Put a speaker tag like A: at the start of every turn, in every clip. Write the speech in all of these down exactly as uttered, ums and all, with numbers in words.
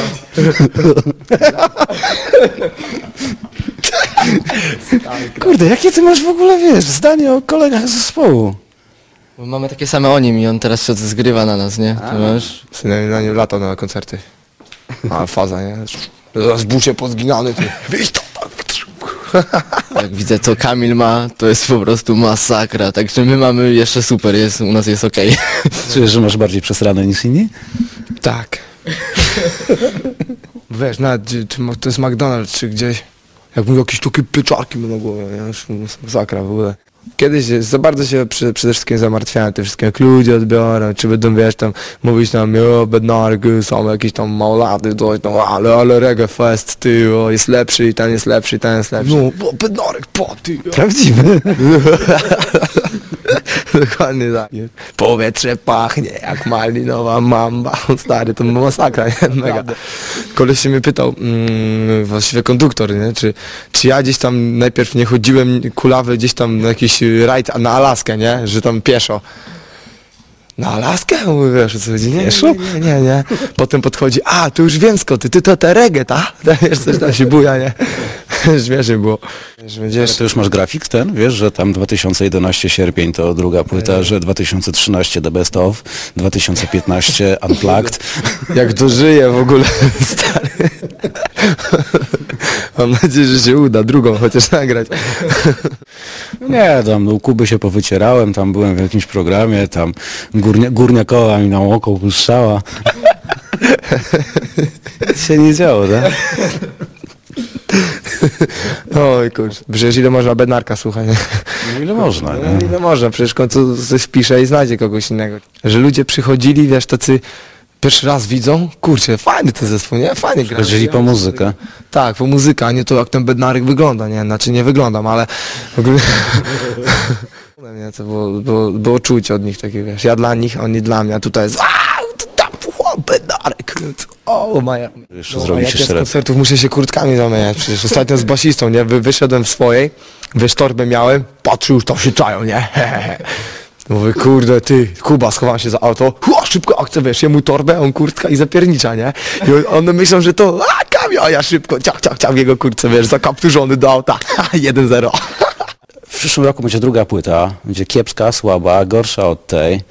A: Kurde, jakie ty masz w ogóle, wiesz, zdanie o kolegach z zespołu?
B: Bo mamy takie same o nim i on teraz się zgrywa na nas, nie? Ty masz?
C: Synem na nim latał na koncerty. A faza, nie? Zaraz bucie pozginany, ty. Wyjdź to, tak.
B: Jak widzę co Kamil ma, to jest po prostu masakra. Także my mamy jeszcze super, jest, u nas jest okej.
A: Czujesz, że masz bardziej przesrane niż inni?
C: Tak. Wiesz, nawet gdzie- czy to jest McDonald's, czy gdzieś, jak mówię, jakieś takie pieczarki na głowę, nie? Już masakra w ogóle. Kiedyś za bardzo się przy, przede wszystkim zamartwiałem tym wszystkim, jak ludzie odbiorą, czy będą, wiesz, tam mówić nam, o, bednarki, są jakieś tam małolaty, coś tam, ale, ale reggae fest, ty, o, jest lepszy i ten jest lepszy i ten jest lepszy. No, bo bednarek, po, ty.
A: Prawdziwy.
C: Dokładnie tak. Nie? Powietrze pachnie jak malinowa mamba. Stary, to masakra, nie? Mega. Koleś się mnie pytał, mm, właściwie konduktor, nie? Czy, czy ja gdzieś tam najpierw nie chodziłem kulawy gdzieś tam na jakiś rajd na Alaskę, nie? Że tam pieszo. Na Alaskę? Mówię, wiesz o co chodzi? Nie,
A: Pieszo?
C: nie, nie, nie, nie. Potem podchodzi, a, tu już wiem skąd, ty, ty to te reggae, ta? Wiesz, coś tam się buja, nie? Śmiesznie było. Wiesz, będziesz...
A: To już masz grafik ten, wiesz, że tam dwa tysiące jedenaście sierpień to druga płyta, że dwa tysiące trzynaście The Best Of, dwa tysiące piętnaście Unplugged.
C: Jak dożyję w ogóle, stary. Mam nadzieję, że się uda drugą chociaż nagrać.
A: Nie, tam u Kuby się powycierałem, tam byłem w jakimś programie, tam górnia, górniakowa mi na oko puszczała. Nic się nie działo, tak?
C: Oj kurczę, przecież ile można bednarka słuchać, nie?
A: No ile można,
C: No,
A: nie?
C: ile można, przecież w końcu coś wpisze i znajdzie kogoś innego. Że ludzie przychodzili, wiesz, tacy pierwszy raz widzą, kurczę, fajny ten zespół, nie? Fajnie gra.
A: Chodzili po muzykę.
C: Tak, po muzykę, a nie to jak ten bednarek wygląda, nie? Znaczy nie wyglądam, ale w ogóle... nie, to było, było, było czuć od nich takie, wiesz, ja dla nich, oni dla mnie, a tutaj jest aaa, to tam, o, bednarek, o, maja.
A: Jeszcze
C: No, a
A: zrobić
C: jak ja
A: jeszcze
C: z
A: raz.
C: koncertów muszę się kurtkami zamieniać, przecież ostatnio z basistą, nie? Wy, wyszedłem w swojej, wiesz, torbę miałem, patrzył, już tam się czają, nie? Mówię, kurde, ty, Kuba, schowam się za auto, Hua, szybko akcja, wiesz, jemu torbę, on kurtka i zapiernicza, nie? I on, one myślą, że to, a, Kamil, a ja szybko, ciach, ciach, ciach, w jego kurtce, wiesz, zakapturzony do auta, jeden zero.
A: W przyszłym roku będzie druga płyta, będzie kiepska, słaba, gorsza od tej.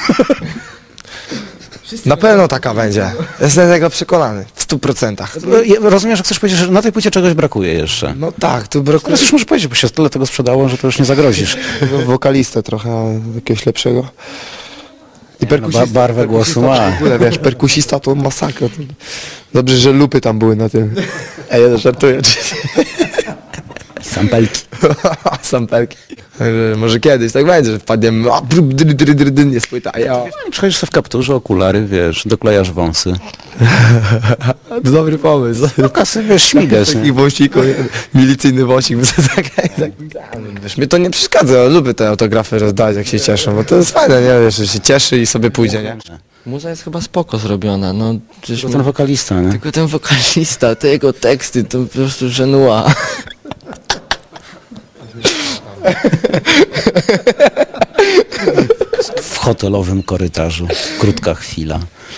C: Na pewno taka będzie, jestem tego przekonany, w stu procentach.
A: Rozumiem, że chcesz powiedzieć, że na tej płycie czegoś brakuje jeszcze.
C: No tak, tu brakuje
A: Teraz już możesz powiedzieć, bo się tyle tego sprzedało, że to już nie zagrozisz.
C: wokalistę trochę, jakiegoś lepszego. I
A: no, ba- barwę głosu ma.
C: W ogóle, wiesz, perkusista to masakra. To... Dobrze, że lupy tam były na tym. Ej, ja żartuję.
A: Sampelki.
C: Sampelki. Także może kiedyś tak będzie, że wpadniemy, a brub, dry, dry, dry, dry, nie spłyta, a ja...
A: Przychodzisz sobie w kapturze, okulary, wiesz, doklejasz wąsy.
C: To dobry pomysł.
A: Kasy, wiesz, śmigasz, nie?
C: Taki wąsiku, milicyjny wąsik. Tak, tak, wiesz, mnie to nie przeszkadza, ja lubię te autografy rozdać, jak się cieszą, bo to jest fajne, nie? Wiesz, że się cieszy i sobie pójdzie, nie?
B: Muza jest chyba spoko zrobiona, no przecież
A: To
B: my...
A: ten wokalista, nie?
B: Tylko ten wokalista, te jego teksty, to po prostu żenua.
A: W hotelowym korytarzu. Krótka chwila.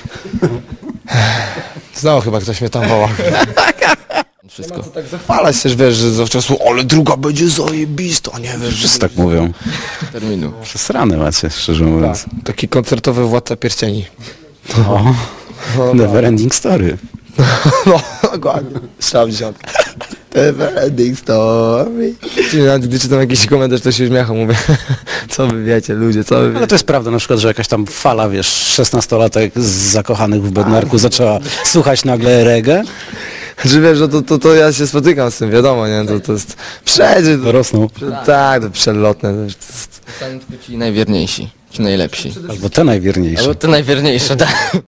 C: Znowu chyba ktoś mnie tam woła.
B: Wszystko.
C: Tak zachwalać też, wiesz, że zawczasu, ale druga będzie zajebista, nie wiesz.
A: Wszyscy tak mówią.
B: Terminu.
A: Przesrane macie, szczerze mówiąc.
C: Taki koncertowy Władca Pierścieni.
A: O, never ending story.
C: No, dokładnie. Strzał dziesiątka. Never ending story. Czyli nawet gdy czytam jakiś komentarz, to się uśmiecham, mówię, co wy wiecie, ludzie, co wy wiecie.
A: Ale to jest prawda, na przykład, że jakaś tam fala, wiesz, szesnastolatek z zakochanych w Bednarku zaczęła słuchać nagle reggae.
C: Że wiesz, że to, to, to ja się spotykam z tym, wiadomo, nie, to, to jest, przejdzie, to,
A: Rosną.
C: tak, to przelotne, to jest,
B: Zostaną tylko ci najwierniejsi, ci najlepsi.
A: Albo te najwierniejsze.
B: Albo te najwierniejsze, tak.